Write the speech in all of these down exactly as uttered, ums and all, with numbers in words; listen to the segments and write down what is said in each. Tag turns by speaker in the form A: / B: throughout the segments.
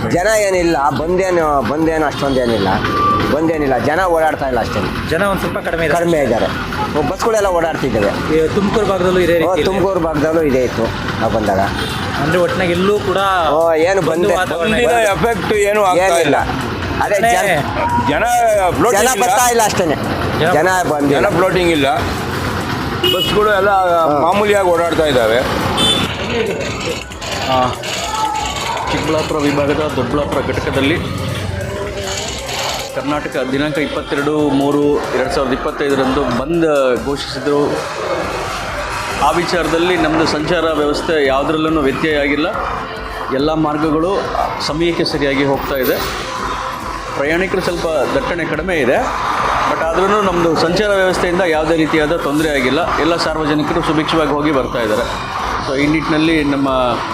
A: ಜನ ಏನಿಲ್ಲ, ಬಂದೇನು ಬಂದೇನು ಅಷ್ಟೊಂದೇನಿಲ್ಲ, ಬಂದೇನಿಲ್ಲ, ಜನ ಓಡಾಡ್ತಾ ಇಲ್ಲ ಅಷ್ಟೇ.
B: ಜನ ಒಂದು ಸ್ವಲ್ಪ ಕಡಿಮೆ ಇದೆ.
A: ಕಡಿಮೆ ಇದ್ದಾರೆ. ಬಸ್ಗಳೆಲ್ಲ ಓಡಾಡ್ತಿದ್ದಾವೆ.
B: ಈ ತುಮಕೂರು ಭಾಗದಲ್ಲೂ ಇದೇ ರೀತಿ ಇದೆ.
A: ತುಮಕೂರು ಭಾಗದಲ್ಲೂ ಇದೇ ಇತ್ತು ನಾವು ಬಂದಾಗ.
B: ಅಂದ್ರೆ ಒಟ್ಟಿನಾಗ ಎಲ್ಲೂ ಕೂಡ
A: ಓ ಏನು ಬಂದೆ
C: ಎಫೆಕ್ಟ್ ಏನು ಆಗ್ತಾ ಇಲ್ಲ.
A: ಅದೇ ಜನ
C: ಜನ
A: ಜನ ಬರ್ತಾ ಇಲ್ಲ ಅಷ್ಟೇ. ಜನ ಬಂದ
C: ಜನ ಫ್ಲೋಟಿಂಗ್ ಇಲ್ಲ. ಬಸ್ಗಳು ಎಲ್ಲ ಮಾಮೂಲಿಯಾಗಿ ಓಡಾಡ್ತಾ ಇದ್ದಾವೆ.
D: ಚಿಕ್ಕಬಳ್ಳಾಪುರ ವಿಭಾಗದ ದೊಡ್ಡಬಳ್ಳಾಪುರ ಘಟಕದಲ್ಲಿ ಕರ್ನಾಟಕ ದಿನಾಂಕ ಇಪ್ಪತ್ತೆರಡು ಮೂರು ಎರಡು ಸಾವಿರದ ಇಪ್ಪತ್ತೈದರಂದು ಬಂದ್ ಘೋಷಿಸಿದರು. ಆ ವಿಚಾರದಲ್ಲಿ ನಮ್ಮದು ಸಂಚಾರ ವ್ಯವಸ್ಥೆ ಯಾವುದರಲ್ಲೂ ವ್ಯತ್ಯಯ ಆಗಿಲ್ಲ. ಎಲ್ಲ ಮಾರ್ಗಗಳು ಸಮಯಕ್ಕೆ ಸರಿಯಾಗಿ ಹೋಗ್ತಾ ಇದೆ. ಪ್ರಯಾಣಿಕರು ಸ್ವಲ್ಪ ದಟ್ಟಣೆ ಕಡಿಮೆ ಇದೆ, ಬಟ್ ಆದ್ರೂ ನಮ್ಮದು ಸಂಚಾರ ವ್ಯವಸ್ಥೆಯಿಂದ ಯಾವುದೇ ರೀತಿಯಾದ ತೊಂದರೆ ಆಗಿಲ್ಲ. ಎಲ್ಲ ಸಾರ್ವಜನಿಕರು ಸುಭಿಕ್ಷವಾಗಿ ಹೋಗಿ ಬರ್ತಾ ಇದ್ದಾರೆ. ಸೊ ಈ ನಿಟ್ಟಿನಲ್ಲಿ ನಮ್ಮ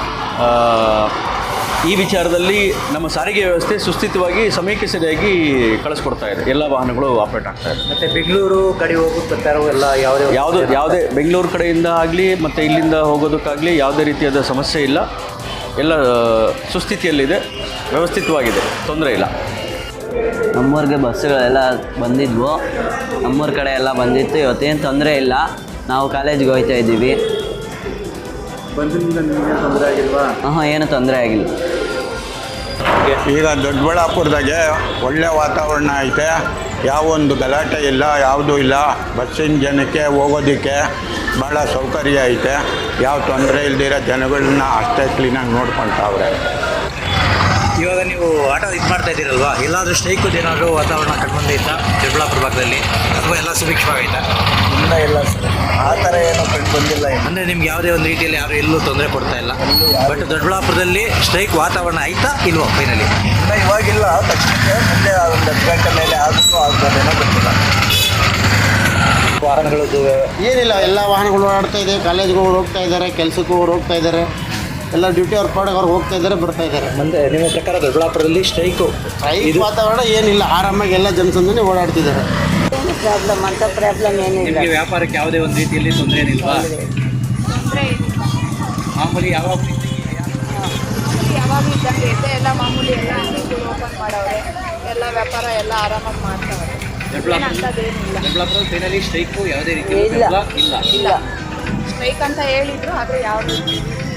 D: ಈ ವಿಚಾರದಲ್ಲಿ ನಮ್ಮ ಸಾರಿಗೆ ವ್ಯವಸ್ಥೆ ಸುಸ್ಥಿತವಾಗಿ ಸಮಯಕ್ಕೆ ಸರಿಯಾಗಿ ಕಳಿಸ್ಕೊಡ್ತಾ ಇದೆ. ಎಲ್ಲ ವಾಹನಗಳು ಆಪ್ರೇಟ್ ಆಗ್ತಾ ಇದೆ.
B: ಮತ್ತು ಬೆಂಗಳೂರು ಕಡೆ ಹೋಗೋದು ಬರ್ತಾರೋ ಎಲ್ಲ ಯಾವುದೇ
D: ಯಾವುದೇ ಯಾವುದೇ ಬೆಂಗಳೂರು ಕಡೆಯಿಂದ ಆಗಲಿ ಮತ್ತು ಇಲ್ಲಿಂದ ಹೋಗೋದಕ್ಕಾಗಲಿ ಯಾವುದೇ ರೀತಿಯಾದ ಸಮಸ್ಯೆ ಇಲ್ಲ. ಎಲ್ಲ ಸುಸ್ಥಿತಿಯಲ್ಲಿದೆ, ವ್ಯವಸ್ಥಿತವಾಗಿದೆ, ತೊಂದರೆ ಇಲ್ಲ.
E: ನಮ್ಮೂರಿಗೆ ಬಸ್ಸುಗಳೆಲ್ಲ ಬಂದಿದ್ವು, ನಮ್ಮೂರ ಕಡೆ ಎಲ್ಲ ಬಂದಿತ್ತು. ಇವತ್ತೇನು ತೊಂದರೆ ಇಲ್ಲ. ನಾವು ಕಾಲೇಜಿಗೆ ಹೋಗ್ತಾ ಇದ್ದೀವಿ.
B: ಬಂದ್ರಿಂದ ನಿಮಗೆ ತೊಂದರೆ ಆಗಿಲ್ವಾ?
E: ಹಾಂ, ಏನು ತೊಂದರೆ ಆಗಿಲ್ಲ.
F: ಈಗ ದೊಡ್ಡಬಳ್ಳಾಪುರದಾಗೆ ಒಳ್ಳೆ ವಾತಾವರಣ ಐತೆ. ಯಾವೊಂದು ಗಲಾಟೆ ಇಲ್ಲ, ಯಾವುದೂ ಇಲ್ಲ. ಬಸ್ಸಿನ ಜನಕ್ಕೆ ಹೋಗೋದಕ್ಕೆ ಭಾಳ ಸೌಕರ್ಯ ಐತೆ. ಯಾವ ತೊಂದರೆ ಇಲ್ದಿರೋ ಜನಗಳನ್ನ ಅಷ್ಟೇ ಕ್ಲೀನಾಗಿ ನೋಡ್ಕೊಳ್ತಾವ್ರೆ.
B: ಇವಾಗ ನೀವು ಆಟೋ ಇದು ಮಾಡ್ತಾ ಇದ್ದೀರಲ್ವಾ, ಎಲ್ಲಾದರೂ ಸ್ಟ್ರೈಕದು ಏನಾದರೂ ವಾತಾವರಣ ಕಂಡುಬಂದೈತಾ ದೊಡ್ಡಬಳ್ಳಾಪುರ ಭಾಗದಲ್ಲಿ, ಅಥವಾ ಎಲ್ಲ ಸುಭಿಕ್ಷವಾಗೈತಾ?
A: ಇಲ್ಲ ಇಲ್ಲ ಸರ್, ಆ ಥರ ಏನೋ ಕಂಡು ಬಂದಿಲ್ಲ.
B: ಅಂದರೆ ನಿಮ್ಗೆ ಯಾವುದೇ ಒಂದು ರೀತಿಯಲ್ಲಿ ಯಾರು ಎಲ್ಲೂ ತೊಂದರೆ ಕೊಡ್ತಾ ಇಲ್ಲ. ಬಟ್ ದೊಡ್ಡಬಳ್ಳಾಪುರದಲ್ಲಿ ಸ್ಟ್ರೈಕ್ ವಾತಾವರಣ ಆಯ್ತಾ ಇಲ್ವೋ ಫೈನಲಿ?
A: ಇಲ್ಲ, ಇವಾಗಿಲ್ಲ. ತಕ್ಷಣಕ್ಕೆ ಮುಂದೆ ಒಂದು ಹತ್ತು ಗಂಟೆ ಮೇಲೆ ಆದರೂ ಆಗ್ಬೋದೇನೋ ಗೊತ್ತಿಲ್ಲ.
B: ವಾಹನಗಳದ್ದು
G: ಏನಿಲ್ಲ, ಎಲ್ಲ ವಾಹನಗಳು ಓಡಾಡ್ತಾ ಇದೆ. ಕಾಲೇಜ್ಗೆ ಹೋಗ್ತಾ ಇದ್ದಾರೆ, ಕೆಲಸಕ್ಕೂ ಹೋಗ್ತಾ ಇದ್ದಾರೆ. ಎಲ್ಲ ಡ್ಯೂಟಿ ಅವ್ರ ಪಾಡಿಗೆ ಅವ್ರು ಹೋಗ್ತಾ ಇದ್ದಾರೆ, ಬರ್ತಾ ಇದ್ದಾರೆ.
B: ಮುಂದೆ ನಿಮ್ಮ ಪ್ರಕಾರ ದೊಡ್ಡಬಳ್ಳಾಪುರದಲ್ಲಿ ಸ್ಟ್ರೈಕು
G: ಸ್ಟ್ರೈಕ್ ವಾತಾವರಣ ಏನಿಲ್ಲ, ಆರಾಮಾಗಿ ಎಲ್ಲ ಜನಸಂದಣಿ ಓಡಾಡ್ತಿದ್ದಾರೆ.
H: ಪ್ರಾಬ್ಲಮ್ ಅಂತ ಪ್ರಾಬ್ಲಮ್ ಏನಿಲ್ಲ.
B: ನಿಮಗೆ ವ್ಯಾಪಾರಕ್ಕೆ ಯಾವುದೇ ಒಂದು ರೀತಿಯಲ್ಲಿ ತೊಂದರೆ ಏನಿಲ್ವಾ? ಮಾಮೂಲಿ ಯಾವಾಗ
H: ಯಾವಾಗ ಇದ್ದಂಗೆ ಇದೆ, ಎಲ್ಲ ಮಾಮೂಲಿ ಎಲ್ಲ ಅಂಗಡಿಗಳು ಓಪನ್ ಮಾಡವ್ರೆ, ಎಲ್ಲ ವ್ಯಾಪಾರ ಎಲ್ಲ ಆರಾಮಾಗಿ ಮಾಡ್ತಾವ್ರೆ.
B: ದೊಡ್ಡಬಳ್ಳಾಪುರ ದೊಡ್ಡಬಳ್ಳಾಪುರ ಫೈನಲಿ ಸ್ಟ್ರೈಕು ಯಾವುದೇ ರೀತಿ
H: ಇಲ್ಲ
B: ಇಲ್ಲ
H: ಇಲ್ಲ ಸ್ಟ್ರೈಕ್ ಅಂತ ಹೇಳಿದ್ರು, ಆದರೆ ಯಾವುದೇ ರೀತಿ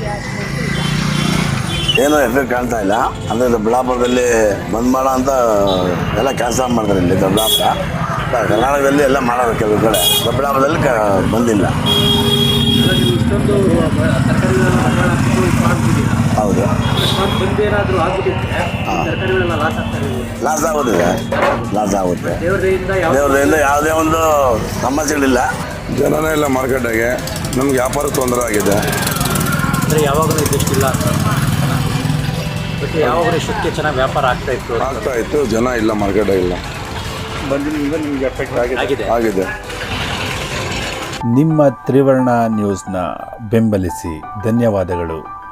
I: ಏನೋ ಎಫೆಕ್ಟ್ ಕಾಣ್ತಾ ಇಲ್ಲ. ಅಂದರೆ ದೊಡ್ಡಬಳ್ಳಾಪುರದಲ್ಲಿ ಬಂದ್ ಮಾಡೋ ಅಂತ ಎಲ್ಲ ಕೆಲಸ ಮಾಡ್ತಾರೆ. ಇಲ್ಲಿ ದೊಡ್ಡಬಳ್ಳಾಪುರ ಕರ್ನಾಟಕದಲ್ಲಿ ಎಲ್ಲ ಮಾಡೋದು ಕೆಲವು ಕಡೆ, ದೊಡ್ಡಬಳ್ಳಾಪುರದಲ್ಲಿ ಕ ಬಂದಿಲ್ಲ. ಹೌದು, ಲಾಸ್ ಆಗೋದಿದೆ, ಲಾಸ್ ಆಗುತ್ತೆ. ದೇವರಿಂದ ಯಾವುದೇ ಒಂದು ಸಮಸ್ಯೆಗಳಿಲ್ಲ.
C: ಜನನೇ ಇಲ್ಲ ಮಾರ್ಕೆಟಾಗೆ. ನಮ್ಗೆ ವ್ಯಾಪಾರ ತೊಂದರೆ ಆಗಿದೆ.
B: ಅಂದರೆ ಯಾವಾಗಲೂ ಇದ್ದಷ್ಟಿಲ್ಲ, ಬಟ್ ಯಾವಾಗಲೂ ಇಷ್ಟಕ್ಕೆ ಚೆನ್ನಾಗಿ ವ್ಯಾಪಾರ ಆಗ್ತಾ ಇತ್ತು
C: ಆಗ್ತಾ ಇತ್ತು ಜನ ಇಲ್ಲ, ಮಾರ್ಕೆಟೇ ಇಲ್ಲ.
B: ಬಂದಿನಿಂದ ನಿಮಗೆ ಎಫೆಕ್ಟ್ ಆಗಿದೆ
C: ಆಗಿದೆ.
J: ನಿಮ್ಮ ತ್ರಿವರ್ಣ ನ್ಯೂಸ್ನ ಬೆಂಬಲಿಸಿ. ಧನ್ಯವಾದಗಳು.